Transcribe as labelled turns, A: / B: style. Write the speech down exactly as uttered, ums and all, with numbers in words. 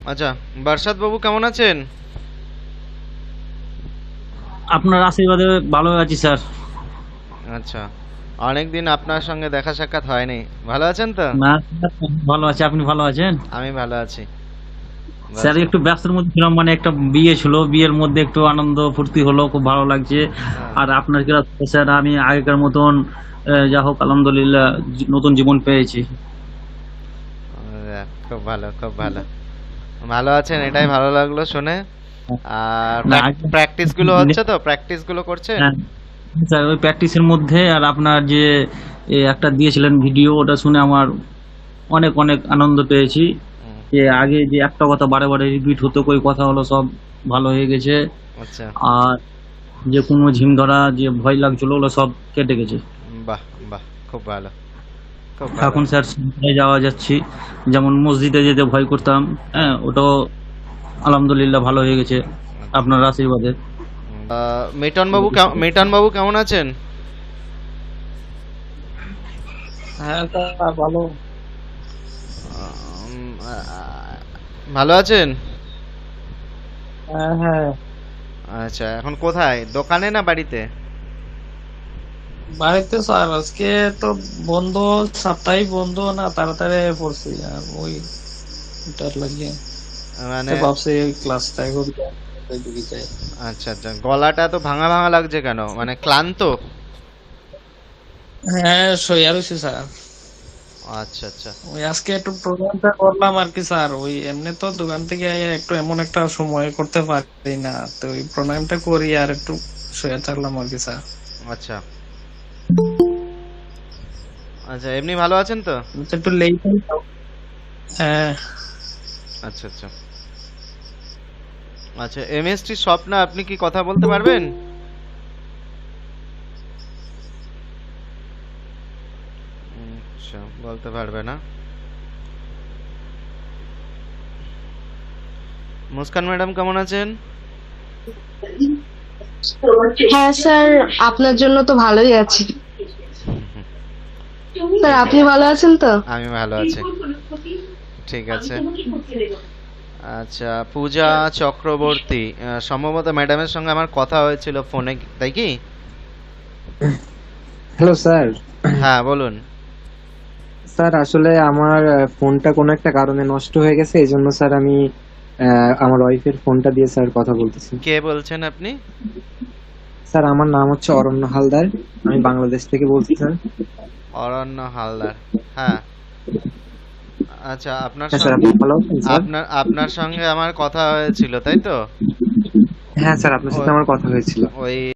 A: আচ্ছা, বারসাত বাবু কেমন আছেন?
B: আপনার আশীর্বাদে ভালো আছি স্যার।
A: আচ্ছা, অনেকদিন আপনার সঙ্গে দেখা সাক্ষাৎ হয়নি। ভালো আছেন তো?
B: না, ভালো আছি। আপনি ভালো আছেন?
A: আমি ভালো আছি।
B: স্যার
A: বাস-
B: একটু ব্যস্তর মধ্যে ছিলাম, মানে একটা বিয়ে ছিল, বিয়ের মধ্যে একটু আনন্দ ফুর্তি হলো, খুব ভালো লাগছে।
A: হ্যাঁ,
B: আর আপনার কি স্যার, আমি আগেকার মতন আহ, যা হোক আলহামদুলিল্লাহ জি- নতুন জীবন পেয়েছি।
A: আহ, খুব ভালো, খুব ভালো। ভালো আছেন, এটাই ভালো লাগলো শুনে। আর
B: না আগে
A: প্র্যাকটিস গুলো হচ্ছে তো? প্র্যাকটিস গুলো করছেন?
B: হ্যাঁ, স্যার ওই প্র্যাকটিসের মধ্যে আর আপনার যে এ, একটা দিয়েছিলেন ভিডিও, ওটা শুনে আমার অনেক অনেক আনন্দ পেয়েছি।
A: হুম,
B: যে আগে যে একটা কথা বারে বারে রিপিট হতো, ওই কথা হলো সব ভালো হয়ে গেছে।
A: আচ্ছা,
B: আর যে কোনো ঝিম ধরা যে ভয় লাগছিল, ওগুলো সব কেটে গেছে।
A: বাহ বাহ, খুব ভালো, খুব ভালো।
B: এখন স্যার সন্ধ্যায় যাওয়া যাচ্ছি, যেমন মসজিদে যেতে ভয় করতাম, হ্যাঁ ওটাও আলহামদুলিল্লাহ ভালো হয়ে গেছে আপনার আশীর্বাদে।
A: আহ, মিটন বাবু কেম- মিটন বাবু কেমন আছেন?
C: হ্যাঁ তা ভালো।
A: উম, আহ, ভালো আছেন?
C: হ্যাঁ হ্যাঁ,
A: আচ্ছা, এখন কোথায়, দোকানে না বাড়িতে?
C: বাড়িতে স্যার আজকে তো বন্ধ, সাপ্তাহিক বন্ধ না, তাড়াতাড়ি পড়ছি আর ওই ওটার লাগিয়ে
A: মানে
C: তো ভাবছি ওই ক্লাসটা করি ঢুকে যাই।
A: আচ্ছা আচ্ছা, গলাটা তো ভাঙা ভাঙা লাগছে কেন, মানে ক্লান্ত?
C: হ্যাঁ সইয়া রয়েছে স্যার।
A: আচ্ছা আচ্ছা
C: ওই আজকে একটু প্রোগ্রামটা করলাম আর কি স্যার, ওই এমনি তো দোকান থেকে একটু এমন একটা সময় করতে পারি না, তো ওই প্রোগ্রামটা করি আর একটু সইয়া থাকলাম আর কি স্যার।
A: আচ্ছা আচ্ছা, এমনি ভালো আছেন তো?
C: তো একটু লেট হ্যাঁ।
A: আচ্ছা আচ্ছা আচ্ছা, এমএসটি স্বপ্না, আপনি কি কথা বলতে পারবেন? আচ্ছা, বলতে পারবে না। মুস্কান ম্যাডাম কেমন আছেন?
D: হ্যাঁ স্যার, আপনার জন্য তো ভালোই আছি। স্যার
A: ঠিক
D: আপনি
A: আছে,
D: ভালো আছেন তো?
A: আমি ভালো আছি। ঠিক আছে। আচ্ছা, পূজা চক্রবর্তী, আহ, সম্ভবত ম্যাডামের সঙ্গে আমার কথা হয়েছিল ফোনে, তাই কি?
E: Hello sir.
A: হ্যাঁ, বলুন।
E: স্যার আসলে আমার আহ, ফোনটা কোনো একটা কারণে নষ্ট হয়ে গেছে, এই জন্য স্যার আমি আহ, আমার ওয়াইফের ফোনটা দিয়ে স্যার কথা বলতেছি।
A: কে বলছেন আপনি?
E: স্যার আমার নাম হচ্ছে অরণ্য হালদার, আমি বাংলাদেশ থেকে বলছি স্যার।
A: অরণ্য হালদার। হ্যাঁ। আচ্ছা, আপনার
E: হ্যাঁ স্যার,
A: সঙ্গে
E: আপনি ভালো আছেন স্যার?
A: আপনার আপনার সঙ্গে আমার কথা হয়েছিল, তাই তো?
E: হ্যাঁ স্যার, আপনার সাথে
A: ওই
E: আমার কথা হয়েছিল।
A: ওই